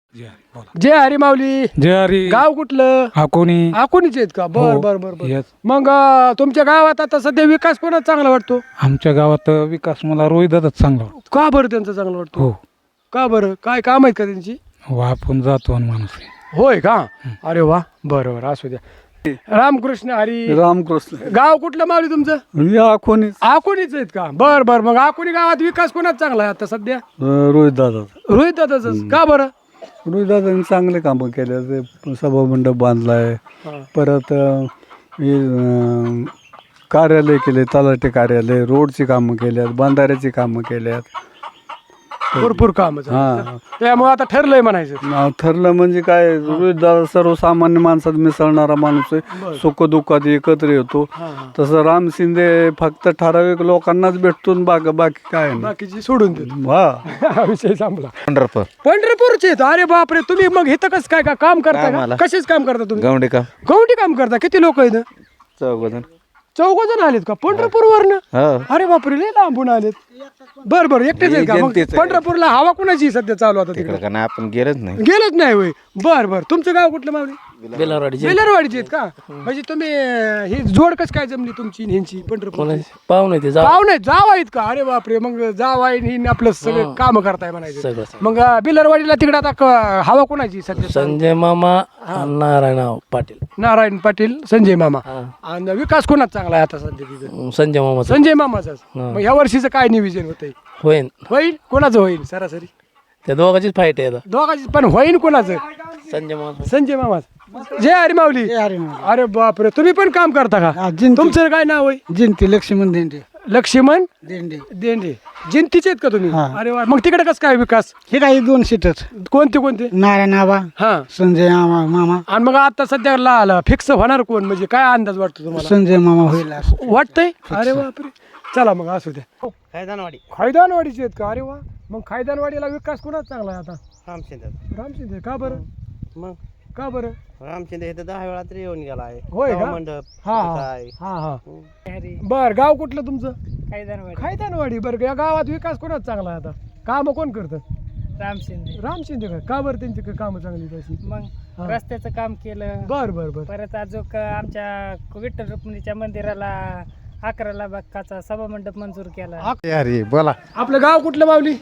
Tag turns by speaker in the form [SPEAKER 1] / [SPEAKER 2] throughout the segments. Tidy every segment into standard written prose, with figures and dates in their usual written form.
[SPEAKER 1] जय हरी माऊली.
[SPEAKER 2] जय हरी.
[SPEAKER 1] गाव कुठलं?
[SPEAKER 2] अकोणी.
[SPEAKER 1] अकोणीच आहेत का? बर
[SPEAKER 2] हो.
[SPEAKER 1] बर बर बर.
[SPEAKER 2] Yes.
[SPEAKER 1] मग तुमच्या गावात आता सध्या विकास कोणाचा चांगला वाटतो?
[SPEAKER 2] आमच्या गावात विकास मला रोहिदाच चांगला वाटतो.
[SPEAKER 1] का बरं त्यांचा चांगला वाटतो?
[SPEAKER 2] हो.
[SPEAKER 1] का बरं? काय काम आहेत का त्यांची?
[SPEAKER 2] हो, आपण जातो आणि माणूस आहे.
[SPEAKER 1] होय का? अरे वा, बरं बरं, असू द्या. रामकृष्ण हरी.
[SPEAKER 3] रामकृष्ण.
[SPEAKER 1] गाव कुठलं माऊली तुमचं?
[SPEAKER 3] कोणी
[SPEAKER 1] अकोणीच आहेत का? बर बर. मग अकोणी गावात विकास कोणाचा चांगला आहे आता सध्या?
[SPEAKER 3] रोहित दादा.
[SPEAKER 1] रोहित दादाच. का बरं?
[SPEAKER 3] रोहित दादांनी चांगले कामं केले. ते सभामंडप बांधलाय. परत हे, कार्यालय केले, तलाठी कार्यालय, रोडची कामं केल्यात, बांधाऱ्याची कामं केल्यात.
[SPEAKER 1] भरपूर काम.
[SPEAKER 3] हा.
[SPEAKER 1] त्यामुळे आता ठरलंय म्हणायचं.
[SPEAKER 3] नाव ठरलं म्हणजे काय, रोहित दादा सर्वसामान्य माणसात मिसळणारा माणूस आहे. सुख दुःखात एकत्र येतो. तसं राम शिंदे फक्त ठराविक लोकांनाच भेटतो. बाकी काय नाही.
[SPEAKER 1] बाकीची सोडून देतो.
[SPEAKER 3] हा.
[SPEAKER 1] विषय संपला.
[SPEAKER 4] पंढरपूर.
[SPEAKER 1] पंढरपूरचे आहेत. अरे बापरे, तुम्ही मग इथं कसं काय का काम करता का? कशाच काम करता तुम्ही?
[SPEAKER 4] गवंडी काम.
[SPEAKER 1] गवंडी काम करता. किती लोक आहेत?
[SPEAKER 4] 14
[SPEAKER 1] चौघ जण आलेत का पंढरपूर वरनं? अरे बापरे, लय लांबून आलेत. बर बर, एकटेच आहेत का? मग
[SPEAKER 4] जनतेचं आहे.
[SPEAKER 1] पंढरपूरला हवा कुणाची सध्या चालू आता तिकडे?
[SPEAKER 4] तिकडे का नाही आपण गेलच नाही.
[SPEAKER 1] गेलच नाही होय. बर बर. तुमचं गाव कुठलं मावली?
[SPEAKER 5] बेलारवाडी.
[SPEAKER 1] बेलरवाडीचे आहेत का? म्हणजे तुम्ही ही जोड कस काय जमली तुमची आणि ह्यांची पंढरपूर?
[SPEAKER 5] पाहुणे ते
[SPEAKER 1] पाहुणे जाव आहेत का? अरे बापरे, मग जाव आहे ही आपलं सगळं काम करताय म्हणायचं.
[SPEAKER 5] सगळं.
[SPEAKER 1] मग बिलरवाडीला तिकडे आता हवा कोणाची सध्या?
[SPEAKER 5] संजय मामा नारायण पाटील.
[SPEAKER 1] नारायण पाटील, संजय मामा. आणि विकास कोणाचा चांगला आहे आता सध्या तिथं?
[SPEAKER 5] संजय मामा
[SPEAKER 1] संजय मामाचाच. मग ह्या वर्षीचं काय नियोजन होतंय?
[SPEAKER 5] होईन.
[SPEAKER 1] होईल कोणाचं? होईल सरासरी
[SPEAKER 5] त्या दोघांचीच फाईट आहे आता.
[SPEAKER 1] दोघांची पण होईल कोणाचं?
[SPEAKER 5] संजय मामा.
[SPEAKER 1] संजय मामाच. जय हरी माऊली. अरे बापरे, तुम्ही पण काम करता का? तुमचं काय नाव आहे?
[SPEAKER 3] जिंती लक्ष्मण देंडे.
[SPEAKER 1] लक्ष्मण
[SPEAKER 3] देंडे.
[SPEAKER 1] देंडे. जिंतीचे आहेत का तुम्ही? अरे वा. मग तिकडे कसं काय विकास?
[SPEAKER 3] हे काही 2 सीटच.
[SPEAKER 1] कोणते कोणते?
[SPEAKER 3] नारायण आबा,
[SPEAKER 1] हा.
[SPEAKER 3] संजय मामा.
[SPEAKER 1] आणि मग आता सध्या फिक्स होणार कोण? म्हणजे काय अंदाज वाटतो तुम्हाला?
[SPEAKER 3] संजय मामा होईल.
[SPEAKER 1] वाटतंय? अरे बापरे. चला मग असू द्या.
[SPEAKER 5] खायदानवाडी.
[SPEAKER 1] खायदानवाडीचे आहेत का? अरे वा. मग खायदानवाडीला विकास कोणाचा चांगला आहे आता?
[SPEAKER 5] रामशिंदे.
[SPEAKER 1] रामशिंदे. का बरं?
[SPEAKER 5] मग
[SPEAKER 1] का बरं?
[SPEAKER 5] रामशिंदे इथं 10 वेळा तरी येऊन गेला आहे.
[SPEAKER 1] होय का?
[SPEAKER 5] मंडप.
[SPEAKER 1] हा हा हा. बर, गाव कुठलं तुमचं?
[SPEAKER 5] खायदानवाडी.
[SPEAKER 1] खायदानवाडी. बरं, या गावात विकास कोणाचा चांगला आहे आता? काम कोण करतं?
[SPEAKER 5] रामशिंदे.
[SPEAKER 1] रामशिंदे का बरं? त्यांची कामं चांगली तशी?
[SPEAKER 5] मग रस्त्याचं काम केलं.
[SPEAKER 1] बर बर बर.
[SPEAKER 5] परत अजून आमच्या विठ्ठल रुक्मिणीच्या मंदिराला 11 लाखाचा सभामंडप मंजूर केला.
[SPEAKER 4] अरे बोला.
[SPEAKER 1] आपलं गाव कुठलं माऊली?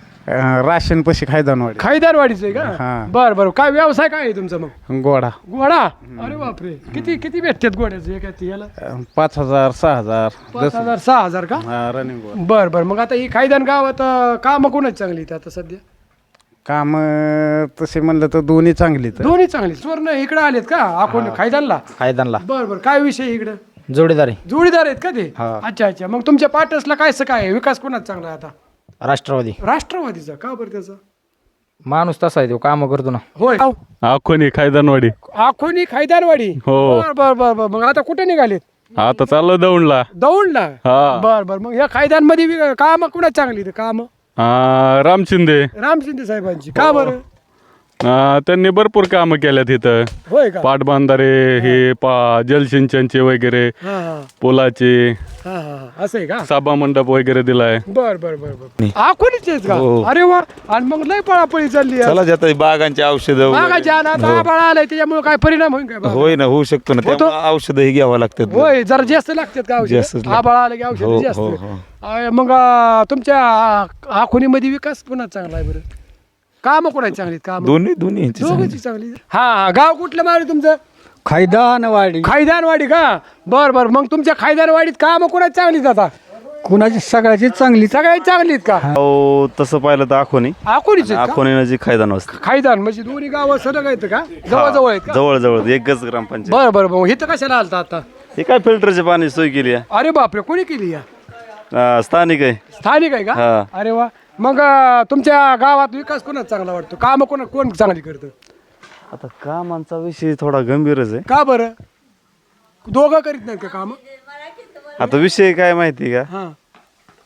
[SPEAKER 4] राशन पशी खायदानवाडी.
[SPEAKER 1] खायदानवाडीचं आहे का?
[SPEAKER 4] हा.
[SPEAKER 1] बर बर. काय व्यवसाय काय आहे तुमचा मग?
[SPEAKER 4] गोडा.
[SPEAKER 1] घोडा. अरे बापरे, किती किती भेटतात घोड्याचे एका याला?
[SPEAKER 4] 5000 6000.
[SPEAKER 1] 5,000 6,000 का?
[SPEAKER 4] रनिंग
[SPEAKER 1] बर बर. मग आता ही खायदान गावात काम कोणाची चांगली आहेत आता सध्या?
[SPEAKER 4] काम तसे म्हणलं तर दोन्ही चांगलीच.
[SPEAKER 1] दोन्ही चांगली. स्वर्ण इकडे आलेत का? आपण खायदानला?
[SPEAKER 4] खायदानला
[SPEAKER 1] बर बर. काय विषय इकडे?
[SPEAKER 4] जोडीदारी.
[SPEAKER 1] जोडीदार आहेत का ते?
[SPEAKER 4] हा.
[SPEAKER 1] अच्छा अच्छा. मग तुमच्या पाटसला काय आहे? विकास कोणाचा चांगला आहे आता?
[SPEAKER 4] राष्ट्रवादी.
[SPEAKER 1] राष्ट्रवादीचा. का बरं त्याचा?
[SPEAKER 4] माणूस तसा आहे तो, काम करतो ना.
[SPEAKER 1] होय.
[SPEAKER 6] अकोणी खायदानवाडी.
[SPEAKER 1] आखोनी खायदानवाडी.
[SPEAKER 6] हो.
[SPEAKER 1] बर बर बर बर. मग आता कुठे निघालेत?
[SPEAKER 6] आता चाललो दौंडला.
[SPEAKER 1] दौंडला.
[SPEAKER 6] हा.
[SPEAKER 1] बर बर. मग या खायदान मध्ये काम कुणाची चांगली? काम
[SPEAKER 6] राम शिंदे.
[SPEAKER 1] राम शिंदे साहेबांची. का बरं?
[SPEAKER 6] त्यांनी भरपूर कामं केल्यात इथं.
[SPEAKER 1] होय का?
[SPEAKER 6] पाटबंधारे हे जलसिंचनचे वगैरे,
[SPEAKER 1] हा हा
[SPEAKER 6] पुलाचे,
[SPEAKER 1] हा हा. असं आहे का?
[SPEAKER 6] सभा मंडप वगैरे दिलाय.
[SPEAKER 1] बर बर बर बर. आखोनीच आहेत का? अरे वा. आणि मग लय पळापळी चालली आहे.
[SPEAKER 7] चला जात बागांची औषधं
[SPEAKER 1] मागाच्या आबाळ आलाय त्याच्यामुळे काय परिणाम होईल काय?
[SPEAKER 7] होय ना, होऊ शकतो ना. त्यामुळे औषधही घ्यावं लागतात.
[SPEAKER 1] होय, जरा जास्त लागतात का औषध?
[SPEAKER 7] जास्तच लागतात.
[SPEAKER 1] आबाळ आलं की औषध जास्त. मग तुमच्या आखोनीमध्ये विकास पुन्हा चांगला आहे बरं? काम कोणाची चांगली? काम
[SPEAKER 7] दोन्ही यांची
[SPEAKER 1] दोघांची चांगली. हा. गाव कुठलं मावली तुमचं?
[SPEAKER 3] खायदानवाडी.
[SPEAKER 1] खायदानवाडी का? बर बर. मग तुमच्या खायदानवाडीत काम कोणाची चांगलीत आता?
[SPEAKER 3] कुणाची? सगळ्याची चांगली.
[SPEAKER 1] सगळ्यात चांगलीत का?
[SPEAKER 7] हो, तसं पाहिलं तर आखोनी.
[SPEAKER 1] आखोनीच आहेत का?
[SPEAKER 7] आखोनी नजीक खायदान वस्ती.
[SPEAKER 1] खायदान म्हणजे दोन्ही गाव सलग आहेत का? जवळ आहेत का?
[SPEAKER 7] जवळ जवळ एकच ग्रामपंचायत.
[SPEAKER 1] बर बर. मग इथं कशाला आलता आता?
[SPEAKER 7] हे काय फिल्टरचे पाणी सोय केली आहे.
[SPEAKER 1] अरे बापरे, कोणी केली या?
[SPEAKER 7] स्थानिक आहे.
[SPEAKER 1] स्थानिक आहे का?
[SPEAKER 7] हा.
[SPEAKER 1] अरे वा. मग तुमच्या गावात विकास कोणाचा चांगला वाटतो? काम कोण चांगली करतं?
[SPEAKER 7] आता कामांचा विषय थोडा गंभीरच आहे.
[SPEAKER 1] का बरं? दोघं करीत नाहीत का काम?
[SPEAKER 7] आता विषय काय माहिती का?
[SPEAKER 1] हा.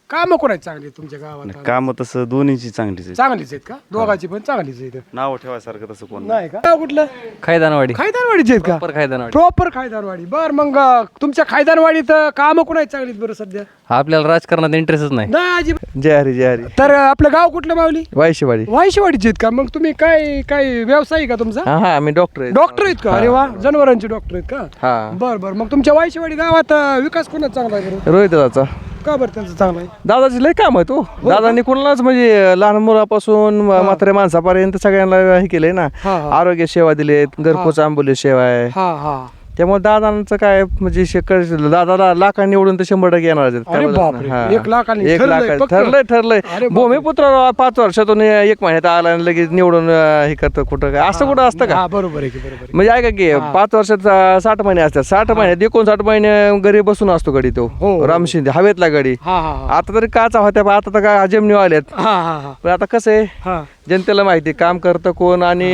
[SPEAKER 1] कामं कोणाची चांगली आहेत तुमच्या गावात?
[SPEAKER 7] काम तसं दोन्हीची चांगलीच आहे.
[SPEAKER 1] चांगलीच आहेत का? दोघांची पण चांगलीच आहेत.
[SPEAKER 7] नाव ठेवायसारखं तसं कोण
[SPEAKER 1] नाही का? गाव कुठलं?
[SPEAKER 8] खायदानवाडी
[SPEAKER 1] खायदानवाडीचे आहेत का?
[SPEAKER 8] खायदानवाडी
[SPEAKER 1] प्रॉपर खायदानवाडी. बर मग तुमच्या खायदानवाडीत कामं कोणाची चांगली आहेत बरं सध्या?
[SPEAKER 8] आपल्याला राजकारणात इंटरेस्टच नाही.
[SPEAKER 1] नाही अजिबात.
[SPEAKER 7] जय हरी जय हरी.
[SPEAKER 1] तर आपलं गाव कुठलं माऊली?
[SPEAKER 7] वायशेवाडी.
[SPEAKER 1] वायशेवाडीचे आहेत का? मग तुम्ही काय काय व्यवसाय आहे का तुमचा?
[SPEAKER 7] हा आम्ही डॉक्टर आहे.
[SPEAKER 1] डॉक्टर आहेत का? अरे वा, जनावरांचे डॉक्टर आहेत का?
[SPEAKER 7] हा.
[SPEAKER 1] बर बर. मग तुमच्या वायशेवाडी गावात विकास कोणाचा चांगला आहे बरं?
[SPEAKER 7] रोहित दादाचा.
[SPEAKER 1] का बरं त्यांचं चांगलं आहे?
[SPEAKER 7] दादाची लय काम आहे तो. दादांनी कोणालाच म्हणजे लहान मुलापासून म्हाताऱ्या माणसापर्यंत सगळ्यांना हे केलंय ना.
[SPEAKER 1] हा हा
[SPEAKER 7] आरोग्य सेवा दिलेत, घरपोच आंबोली सेवा आहे.
[SPEAKER 1] हा हा.
[SPEAKER 7] त्यामुळे दादांचं काय म्हणजे दादाला लाखांनी निवडून तर 100% येणार आहेत.
[SPEAKER 1] अरे बापरे,
[SPEAKER 7] हा.
[SPEAKER 1] 1 लाखांनी
[SPEAKER 7] एक
[SPEAKER 1] ठरलंय
[SPEAKER 7] लाख
[SPEAKER 1] पक्क?
[SPEAKER 7] ठरलंय.
[SPEAKER 1] अरे बापरे.
[SPEAKER 7] भूमिपुत्र 5 वर्षातून 1 महिन्यात आला आणि लगेच निवडून हे करतं कुठं काय असं कुठं असतं का?
[SPEAKER 1] हा बरोबर आहे की, बरोबर आहे.
[SPEAKER 7] म्हणजे ऐका की 5 वर्षात 60 महिने असतात. 60 महिन्यात 59 महिने घरी बसून असतो गडी तो.
[SPEAKER 1] हो.
[SPEAKER 7] राम शिंदे हवेतला गडी.
[SPEAKER 1] हा हा हा.
[SPEAKER 7] आता तरी काचा होत्या पण आता तर काय जमिनी आल्यात.
[SPEAKER 1] हा हा हा
[SPEAKER 7] पण आता कसं आहे
[SPEAKER 1] हा.
[SPEAKER 7] जनतेला माहिती काम करतं कोण आणि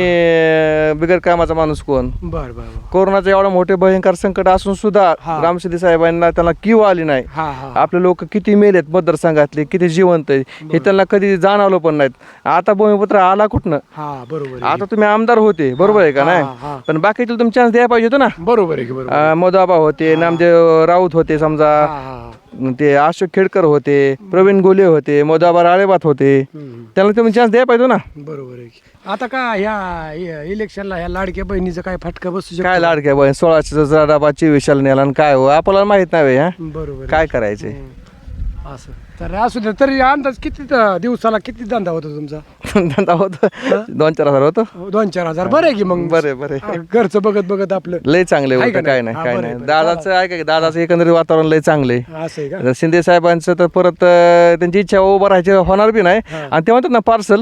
[SPEAKER 7] बिगर कामाचा माणूस कोण.
[SPEAKER 1] बर बर बर.
[SPEAKER 7] कोरोनाचं एवढं मोठे भयंकर संकट असून सुद्धा
[SPEAKER 1] हा.
[SPEAKER 7] राम शिंदे साहेबांना त्यांना किंवा आली नाही.
[SPEAKER 1] हा हा.
[SPEAKER 7] आपले लोक किती मेलेत मतदारसंघातले, किती जिवंत आहे हे त्यांना कधी जाणवलं पण नाहीत. आता भूमिपुत्र आला कुठनं?
[SPEAKER 1] हा बरोबर आहे.
[SPEAKER 7] आता तुम्ही आमदार होते बरोबर आहे का
[SPEAKER 1] हा,
[SPEAKER 7] नाही?
[SPEAKER 1] हा.
[SPEAKER 7] पण बाकीचे तुम्ही चान्स द्यायला पाहिजे होतं ना.
[SPEAKER 1] बरोबर आहे की, बरोबर आहे.
[SPEAKER 7] मोदाबा होते, नामदेव राऊत होते समजा,
[SPEAKER 1] हा हा.
[SPEAKER 7] ते अशोक खेडकर होते, प्रवीण गोले होते, मोदाबा राळेबात होते.
[SPEAKER 1] हम्म.
[SPEAKER 7] त्यांना तुम्ही चान्स द्यायला पाहिजे ना.
[SPEAKER 1] बरोबर आहे की. आता का ह्या इलेक्शनला ह्या लाडक्या बहिणीचं काय फटका बसू शकतो?
[SPEAKER 7] काय लाडक्या बहीण 16 डबा 24 नेला आणि काय हो आपल्याला माहित नाही हा
[SPEAKER 1] बरोबर आहे.
[SPEAKER 7] काय करायचे.
[SPEAKER 1] हम्म. असं तर असू दे. तरी अंदाज किती दिवसाला किती धंदा होतो तुमचा?
[SPEAKER 7] धंदा होतो 2-4 हजार होतो.
[SPEAKER 1] 2-4 हजार. बरं आहे की मग.
[SPEAKER 7] बरे
[SPEAKER 1] घरचं बघत बघत आपलं.
[SPEAKER 7] लय चांगले
[SPEAKER 1] आहे
[SPEAKER 7] होतं
[SPEAKER 1] का
[SPEAKER 7] काय
[SPEAKER 1] नाही?
[SPEAKER 7] नाही
[SPEAKER 1] हा,
[SPEAKER 7] काय
[SPEAKER 1] बरं,
[SPEAKER 7] नाही.
[SPEAKER 1] बरं.
[SPEAKER 7] दादाचं ऐका की दादाचं एकंदरीत वातावरण लय चांगले.
[SPEAKER 1] असं आहे का?
[SPEAKER 7] शिंदे साहेबांचं तर परत त्यांची इच्छा उभं राहायची होणार बी नाही. आणि ते म्हणतात ना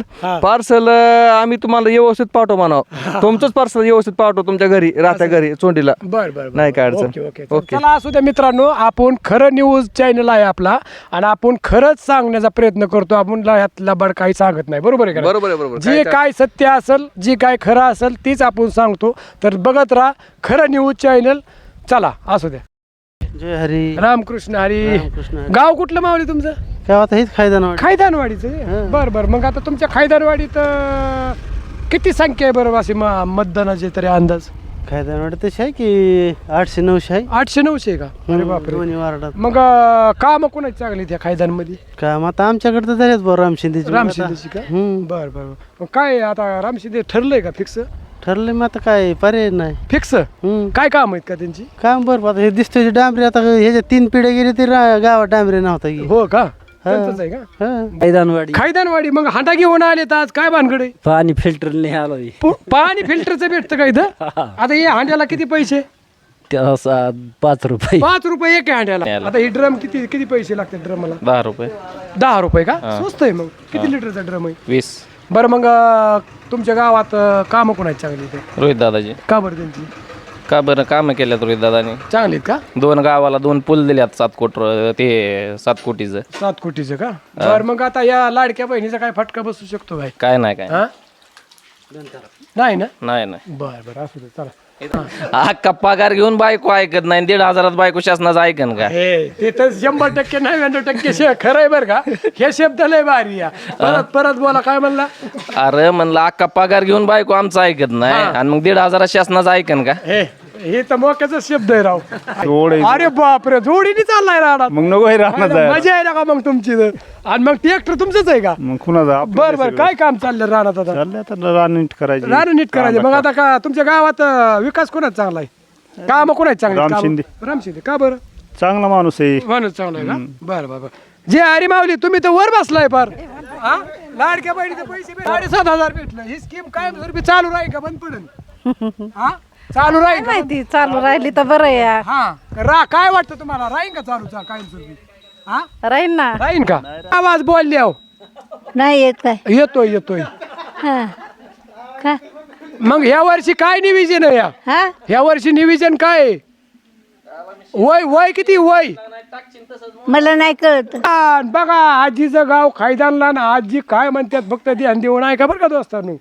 [SPEAKER 7] पार्सल आम्ही तुम्हाला व्यवस्थित पाठवू म्हणावं. तुमचंच पार्सल व्यवस्थित पाठवू तुमच्या घरी राहत्या घरी चोंडीला.
[SPEAKER 1] बर बर.
[SPEAKER 7] नाही काय अडचण.
[SPEAKER 1] Okay okay.
[SPEAKER 7] ओके.
[SPEAKER 1] चला असू द्या मित्रांनो, आपण खरं न्यूज चॅनल आहे आपला आणि आपण खरंच सांगण्याचा प्रयत्न करतो. आपण ह्यात लबाड काही सांगत नाही. बरोबर आहे का?
[SPEAKER 7] बरोबर आहे बरोबर.
[SPEAKER 1] जे काय सत्य असेल, जे काय खरं असेल तीच आपण सांगतो. तर बघत राहा खरं न्यूज चॅनल. चला असू द्या.
[SPEAKER 9] जय हरी.
[SPEAKER 1] रामकृष्ण हरी.
[SPEAKER 9] रामकृष्ण हरी.
[SPEAKER 1] गाव कुठलं मावली तुमचं?
[SPEAKER 9] गावात हेच खायदानवाडी.
[SPEAKER 1] खायदानवाडीचं. बर बर. मग आता तुमच्या खायदानवाडीत किती संख्या आहे बरं अशी मतदानाचे तरी अंदाज?
[SPEAKER 9] खायदानवाडी तशी आहे की 800-900 आहे.
[SPEAKER 1] 800-900 का? अरे बापरे.
[SPEAKER 9] दोन्ही वार्डात.
[SPEAKER 1] मग काम कोणाची चांगली त्या खायदानमध्ये?
[SPEAKER 9] काम आता आमच्याकडे तर झालेच बरं राम शिंदेची.
[SPEAKER 1] राम शिंदेची का? बर बर. मग काय आता राम शिंदे ठरलंय का फिक्स?
[SPEAKER 9] ठरले मग आता काय पर्याय नाही.
[SPEAKER 1] फिक्स काय काम आहेत का त्यांची?
[SPEAKER 9] काम बरं आता हे दिसतोय डांबरी. आता ह्याच्या 3 पिढ्या गेली तरी गावात डांबरी नव्हता की.
[SPEAKER 1] हो का? त्यांचंच आहे का?
[SPEAKER 8] खायदानवाडी
[SPEAKER 1] खायदानवाडी. मग हांडा घेऊन आले तर आज काय भानगड आहे?
[SPEAKER 8] पाणी फिल्टर नाही आलो
[SPEAKER 1] पाणी फिल्टरचं भेटतं का इथं? आता हे हांड्याला किती पैसे?
[SPEAKER 8] 5 रुपये.
[SPEAKER 1] 5 रुपये एक आहे हांड्याला. आता ही ड्रम किती किती पैसे लागतात ड्रमला?
[SPEAKER 8] 10 रुपये.
[SPEAKER 1] 10 रुपये का? स्वस्त आहे. मग किती लिटरचा ड्रम आहे?
[SPEAKER 8] 20.
[SPEAKER 1] बरं मग तुमच्या गावात कामं कोणाची चांगली ते?
[SPEAKER 8] रोहित दादाजी.
[SPEAKER 1] का बरं त्यांची
[SPEAKER 8] का बरं कामं केल्यात रोहित दादानी?
[SPEAKER 1] चांगली आहेत का?
[SPEAKER 8] 2 गावाला 2 पूल दिल्यात 7 कोटीचं.
[SPEAKER 1] 7 कोटीचं का? बरं मग आता या लाडक्या बहिणीचा काय फटका बसू शकतो भाई?
[SPEAKER 8] काय नाही काय
[SPEAKER 1] हा? नाही ना?
[SPEAKER 8] नाही
[SPEAKER 1] बर बर असू दे. चला.
[SPEAKER 8] अख्खा पगार घेऊन बायको ऐकत नाही. 1,500 बायको शासनाचं ऐकन का?
[SPEAKER 1] हे ते तर 100% 99% खरं आहे बरं का? हे शब्द लय भारी या. परत बोला. काय म्हणला?
[SPEAKER 8] अरे म्हणलं अख्खा पगार घेऊन बायको आमचं ऐकत नाही आणि मग 1,500 शासनाचं ऐकन का?
[SPEAKER 1] हे तर मोक्याचा शब्द आहे राव. अरे बापरे, जोडीने चाललाय राहणार.
[SPEAKER 3] मग नको हे राहणार
[SPEAKER 1] मजा आहे ना का मग तुमची तर? आणि मग ट्रॅक्टर तुमचंच आहे का?
[SPEAKER 3] मग कुणाचा
[SPEAKER 1] बर बर. काय काम चाललं राहणार आता?
[SPEAKER 3] रान नीट करायची.
[SPEAKER 1] रान नीट करायचं. मग आता का तुमच्या गावात विकास कोणाचा चांगला आहे? काम कोणाची चांगली?
[SPEAKER 3] राम शिंदे.
[SPEAKER 1] राम शिंदे. का बरं?
[SPEAKER 3] चांगला माणूस आहे.
[SPEAKER 1] माणूस चांगला आहे का? बरं बरं. जे हरी माऊली तुम्ही तर वर बसलाय फार. हा? लाडक्या बहिणीचे पैसे 7,500 भेटलं. ही स्कीम काय चालू राहील का बंद पडेल? हा? चालू राहील का?
[SPEAKER 5] माहिती चालू राहिली तर बरं या.
[SPEAKER 1] हा काय वाटतं तुम्हाला? राहीन का चालू कायमस्वरूपी? हा
[SPEAKER 5] राहील ना.
[SPEAKER 1] राहीन का? आवाज बोलले हो.
[SPEAKER 5] नाही येत काय?
[SPEAKER 1] येतोय.
[SPEAKER 5] का?
[SPEAKER 1] मग ह्या वर्षी काय निविजन आहे? ह्या वर्षी निविजन काय आहे? वय किती वय?
[SPEAKER 5] मला नाही कळत.
[SPEAKER 1] बघा आजीचं गाव खायदानला ना. आजी काय म्हणतात फक्त ध्यान देऊन आहे का बरं का दोस्तांनो?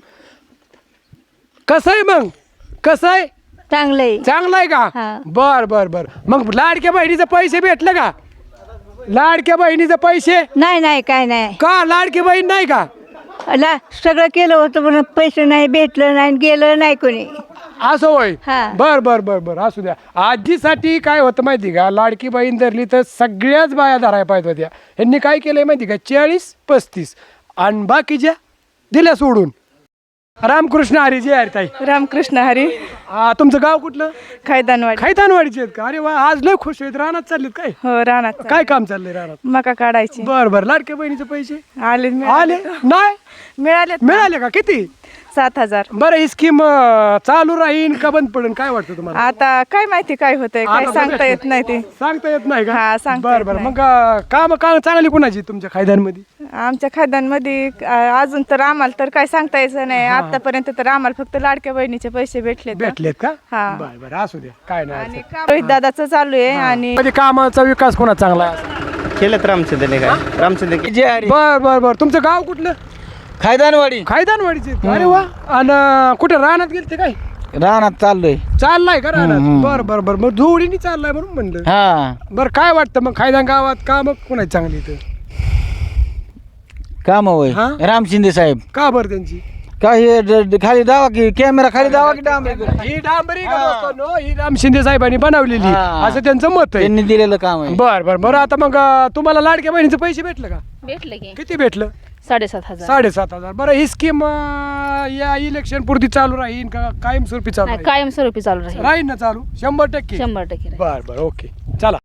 [SPEAKER 1] कसं आहे मग? कसं आहे?
[SPEAKER 5] चांगलंय.
[SPEAKER 1] चांगलं आहे का? बर बर बर. मग लाडक्या बहिणीचे पैसे भेटले का? लाडक्या बहिणीचे पैसे
[SPEAKER 10] नाही नाही काय नाही
[SPEAKER 1] का लाडकी बहीण नाही का
[SPEAKER 10] सगळं केलं होतं पण पैसे नाही भेटलं नाही गेलं नाही कोणी
[SPEAKER 1] असं होय
[SPEAKER 10] हा.
[SPEAKER 1] बर बर बर बर असू द्या आजीसाठी काय होतं माहिती का लाडकी बहीण धरली तर सगळ्याच बाया धरायला पाहिजे होत्या ह्यांनी काय केलंय माहिती का 40-35 आणि बाकीच्या दिल्या सोडून. रामकृष्ण हरी जय हरी ताई.
[SPEAKER 5] रामकृष्ण हरी
[SPEAKER 1] तुमचं गाव कुठलं?
[SPEAKER 5] खैदानवाडी
[SPEAKER 1] खैतानवाडीचे आहेत का? अरे वा आज लय खुश आहेत. रानात चाललेत काय?
[SPEAKER 5] हो रानात
[SPEAKER 1] काय काम चाललंय रानात?
[SPEAKER 5] मका काढायची
[SPEAKER 1] बर बर लाडक्या बहिणीचे पैसे
[SPEAKER 5] आले
[SPEAKER 1] आले नाही
[SPEAKER 5] मिळाले
[SPEAKER 1] मिळाले का किती?
[SPEAKER 5] 7,000.
[SPEAKER 1] बरं ही स्कीम चालू राहीन का बंद पडेल काय वाटतं तुम्हाला?
[SPEAKER 5] आता काय माहिती काय होतंय काय
[SPEAKER 1] आता
[SPEAKER 5] सांगता
[SPEAKER 1] बघा.
[SPEAKER 5] येत नाही ते
[SPEAKER 1] सांगता येत नाही का?
[SPEAKER 5] हा, सांगता
[SPEAKER 1] बरं
[SPEAKER 5] येत
[SPEAKER 1] बरं
[SPEAKER 5] नाही.
[SPEAKER 1] मग काम चांगली कुणाची तुमच्या खायद्यांमध्ये?
[SPEAKER 5] आमच्या खाद्यांमध्ये अजून तर आम्हाला तर काय सांगता यायचं नाही आतापर्यंत तर आम्हाला फक्त लाडक्या बहिणीचे पैसे भेटले
[SPEAKER 1] भेटलेत का?
[SPEAKER 5] हा.
[SPEAKER 1] बरं बरं असू द्या काय नाही
[SPEAKER 5] आणि रोहित दादाचं चालू आहे आणि
[SPEAKER 1] म्हणजे कामाचा विकास कोणा चांगला आहे?
[SPEAKER 4] केलं रामचंद्रने काय रामचंद्र
[SPEAKER 1] बर बर बर तुमचं गाव कुठलं?
[SPEAKER 4] खायदानवाडी
[SPEAKER 1] खायदानवाडीचे अरे वा आणि कुठे रानात गेलते काय?
[SPEAKER 4] रानात चाललोय
[SPEAKER 1] चाललाय का रानात? बर बर बर मग जोडीने चाललाय म्हणून म्हणलं.
[SPEAKER 4] हा
[SPEAKER 1] बरं काय वाटतं मग खायदान गावात काम कोणाची चांगली इथं?
[SPEAKER 4] काम होय
[SPEAKER 1] हा?
[SPEAKER 4] राम शिंदे साहेब
[SPEAKER 1] का बरं त्यांची?
[SPEAKER 4] काय खाली दावा की कॅमेरा खाली दावा की
[SPEAKER 1] ही डांबरी का दोस्तांनो, ही राम शिंदे साहेबांनी बनवलेली
[SPEAKER 4] हा.
[SPEAKER 1] असं त्यांचं मत आहे.
[SPEAKER 4] त्यांनी दिलेलं काम आहे
[SPEAKER 1] बर बर बरं आता मग तुम्हाला लाडक्या बहिणीचं पैसे भेटलं का?
[SPEAKER 10] भेटलं की
[SPEAKER 1] किती भेटलं?
[SPEAKER 10] 7,500.
[SPEAKER 1] 7,500. बरं ही स्कीम या इलेक्शन पुरती चालू राहील का कायमस्वरूपी चालू राहील?
[SPEAKER 10] कायमस्वरूपी चालू राहील
[SPEAKER 1] राहील ना चालू 100%?
[SPEAKER 10] 100%
[SPEAKER 1] बर बर ओके